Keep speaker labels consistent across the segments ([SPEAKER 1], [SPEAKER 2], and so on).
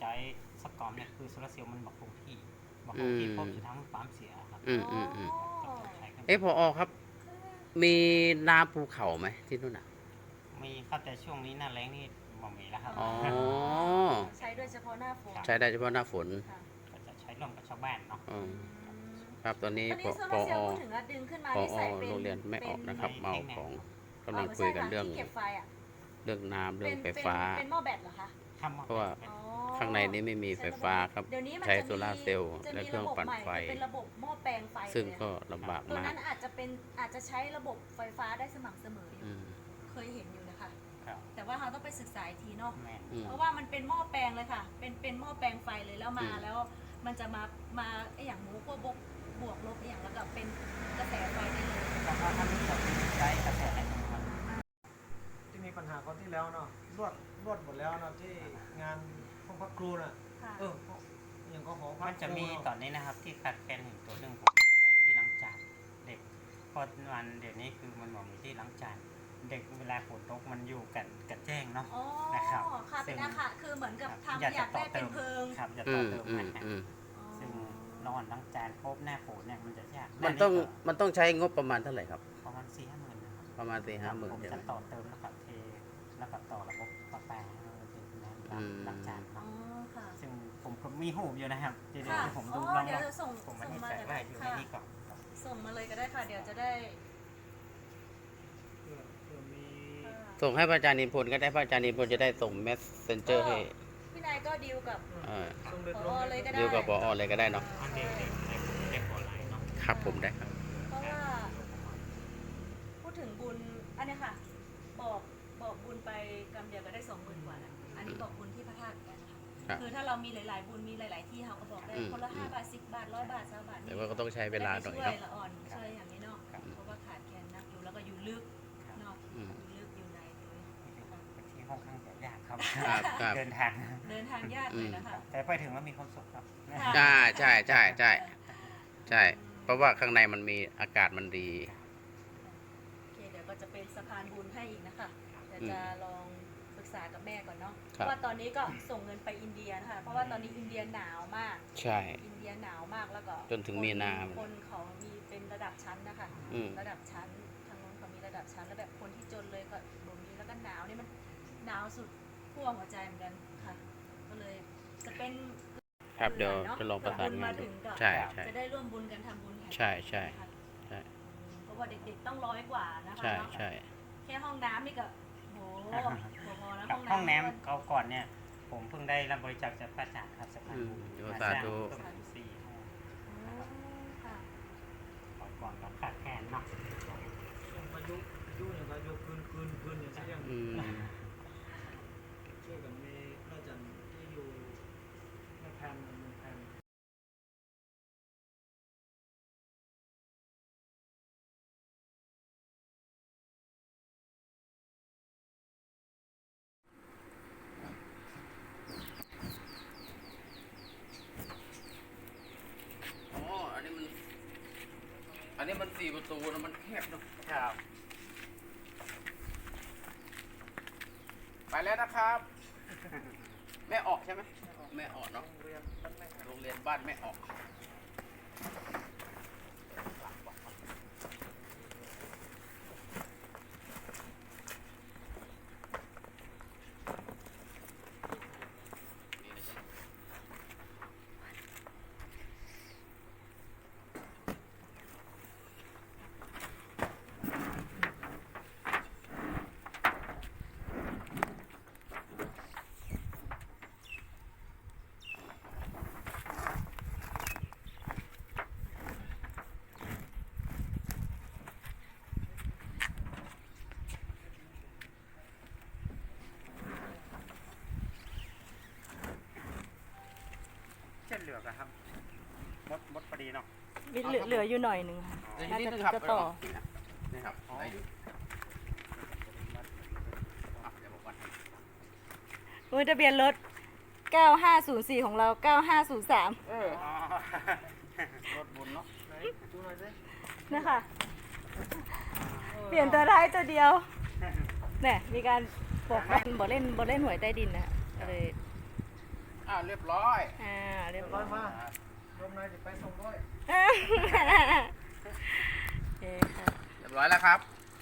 [SPEAKER 1] ช้สกอมเนี่ยคือโซลาร์เซลล์มันบอกคงที่พบอยู่ทั้งปั๊มเสียครับ
[SPEAKER 2] พอครับมีน้ำภูเขาไหมที่นู่นอ่ะ
[SPEAKER 1] มีครับแต่ช่วงนี้หน้าแล้งนี่บ่มีแล้วครับ
[SPEAKER 3] ใช้โดยเฉพาะหน้าฝน
[SPEAKER 2] ใช้ได้เฉพาะหน้าฝน
[SPEAKER 1] ก็จะใช้ร่วมกับชาวบ้านเนาะ
[SPEAKER 2] ครับตอนนี้พอโรงเรียนไม่ออกนะครับเมาของกำลังคุยกันเรื่องน้ำเรื่องไฟฟ้า
[SPEAKER 3] เป็นหม้อแบตเหรอคะ
[SPEAKER 2] เพราะว่าข้างในนี้ไม่มีไฟฟ้าครับใช้โซลาร์เซลล์และเครื่องปั่นไฟ
[SPEAKER 3] เป็นระบบหม้อแปลงไฟ
[SPEAKER 2] ซึ่งก็ลำบากมากตัว
[SPEAKER 3] นั้นอาจจะใช้ระบบไฟฟ้าได้สม่ำเสมออยู่เคยเห็นอยู่นะคะแต่ว่าเราต้องไปศึกษาอีกทีเนาะเพราะว่ามันเป็นหม้อแปลงเลยค่ะเป็นหม้อแปลงไฟเลยแล้วมาแล้วมันจะมาอย่างหมูพวกบวกลบอย่างแล้วก็เป็นกระแสไฟได้เลย
[SPEAKER 1] เพราะว่าถ้าไม่ใช้กระแส
[SPEAKER 4] ที่มีปัญหาคนที่แล้วเนาะรวดหมดแล้วเนาะที่งานห้องพักครูน่ะอย่างก็หอพัก
[SPEAKER 1] มันจะมีตอนนี้นะครับที่ขาดแคลนตัวหนึ่งผมอยากได้ที่ล้างจานเด็กพอวันเดี๋ยวนี้คือมันบอกมีที่ล้างจานเด็กเวลาฝนตกมันอยู่กันแจ้งเนาะ
[SPEAKER 3] นะครับค่ะเป็นอาคารคือเหมือนกับทำอยากได้เป็นเพิง
[SPEAKER 1] ครับจะต่อเติมนะซึ่งนอนล้างจานครบหน้าฝนเนี่ยมันจะยาก
[SPEAKER 2] มันต้องใช้งบประมาณเท่าไหร่ครับ
[SPEAKER 1] ประมาณ4-5 หมื่นนะครับ
[SPEAKER 2] ประมาณ4-5 หมื่น
[SPEAKER 1] ผมจะต่อเติมแล้วก็เทแล้วก็ต่อระบบประปาล้างจานครับซึ่งผมมีหูอยู่นะครับเดี๋ยวผมดูลองผมไม่ได้ใส่ไว้อยู่ในนี้ก่อน
[SPEAKER 3] ส่งมาเลยก็ได้ค่ะเดี๋ยวจะได้
[SPEAKER 2] ส่งให้พระอาจารย์นิพนธ์ก็ได้พระอาจารย์นิพนธ์จะได้ส่งเมสเซนเจอร์ให้
[SPEAKER 3] พี่นายก็ดีลกับผอเลยก็ได้
[SPEAKER 2] ดีลกับผอเลยก็ได้เนาะครับผมได้ครับ
[SPEAKER 3] เพราะว่าพูดถึงบุญอันนี้ค่ะบอกบุญไปกำเดียวก็ได้20,000 กว่าแล้วอันนี้บอกบุญที่พระธาตุกันนะคะคือถ้าเรามีหลายๆบุญมีหลายๆที่เขาก็บอกได้คนละ5 บาท10 บาท100 บาท20 บาท
[SPEAKER 2] แต่ว่าก็ต้องใช้เวลาหน่อย
[SPEAKER 3] เนาะช่วยอย่างนี้เนาะเพราะว่าขาดแคลนนักอยู่แล้วก็อยู่ลึกเนาะอยู่ใน
[SPEAKER 1] ที่ค่อนข้างจะยากครับเดินทาง
[SPEAKER 3] ยากเลยนะคะ
[SPEAKER 1] แต่ไปถึงแล้วมีความสุขครับ
[SPEAKER 2] ใช่เพราะว่าข้างในมันมีอากาศมันดี
[SPEAKER 3] โอเคเดี๋ยวก็จะเป็นสะพานบุญให้อีกนะคะเดี๋ยวจะลองปรึกษากับแม่ก่อนเนาะเพราะว่าตอนนี้ก็ส่งเงินไปอินเดียนะคะเพราะว่าตอนนี้อินเดียหนาวมาก
[SPEAKER 2] ใช่
[SPEAKER 3] อินเดียหนาวมากแล้วก็
[SPEAKER 2] จนถึงมีนา
[SPEAKER 3] คนเขามีเป็นระดับชั้นนะคะระดับชั้นทางโน้นเขามีระดับชั้นแล้วแบบคนที่จนเลยก็บ่มีแล้วก็หนาวนี่มันหนาวสุดขั้วหัวใจเหมือนกันค่ะก็เลยจะเป็น
[SPEAKER 2] ครับเดี๋ยวจะลองประสานงานใช่
[SPEAKER 3] จะได้ร่วมบุญกันทำบุญ
[SPEAKER 2] ใช่
[SPEAKER 3] เพราะว่าเด็กๆต้อง100 กว่านะคะ
[SPEAKER 2] ใช่
[SPEAKER 3] แค่ห้องน้ำนี่ก็โหพอแล้ว
[SPEAKER 1] ห้องน้ำเขาก่อนเนี่ยผมเพิ่งได้รับบริจาคจากพระอาจารย์ครับสะพานบุญ
[SPEAKER 2] สาธุ
[SPEAKER 1] 4 ห้องก่อนกับขาดแคลนเนาะ
[SPEAKER 4] มายุอย่างไรยุคืนอย่างเช่นอย่างช่วยกันมีพระอาจารย์ที่อยู่ในแผน
[SPEAKER 2] อันนี้มัน4 ประตูนะมันแคบเนาะไปแล้วนะครับแม่ออกใช่ไหมแม่ออกเนาะโรงเรียนบ้านแม่ออก
[SPEAKER 1] เหลือครับมดพอดีเนาะ
[SPEAKER 3] เหลืออยู่หน่อยนึงค่ะน่าจะต่อ
[SPEAKER 2] นี่ครับ
[SPEAKER 3] มือทะเบียนรถ9504ของเรา9503
[SPEAKER 1] รถบุญเนาะ
[SPEAKER 3] นะคะเปลี่ยนตัวท้ายตัวเดียวเนี่ยมีการบอกเล่นหวยใต้ดินนะเลย
[SPEAKER 2] เรียบร้อย
[SPEAKER 3] เรียบ
[SPEAKER 4] ร้
[SPEAKER 3] ร้
[SPEAKER 4] อ
[SPEAKER 3] อย ย
[SPEAKER 4] มาลมนายจะไปส่งด้วย
[SPEAKER 3] โอเคค่ะ
[SPEAKER 2] เรียบร้อยแล้วครับ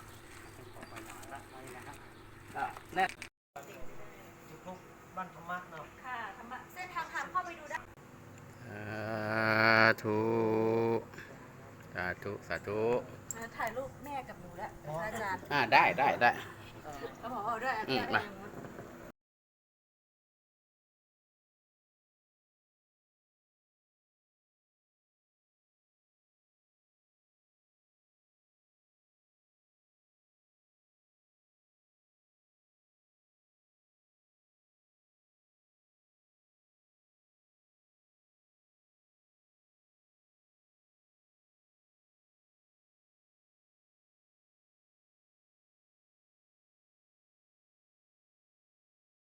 [SPEAKER 2] แน่
[SPEAKER 4] ทุกบ้านธรรมะเนาะ
[SPEAKER 3] ค่ะเส้นทางเข้าไปดูได้
[SPEAKER 2] สาธุสาธุสาธุ
[SPEAKER 3] ถ่ายรูปแม่กับหนูแล้วอาจารย์
[SPEAKER 2] ได้
[SPEAKER 3] เอาด้วย
[SPEAKER 2] มา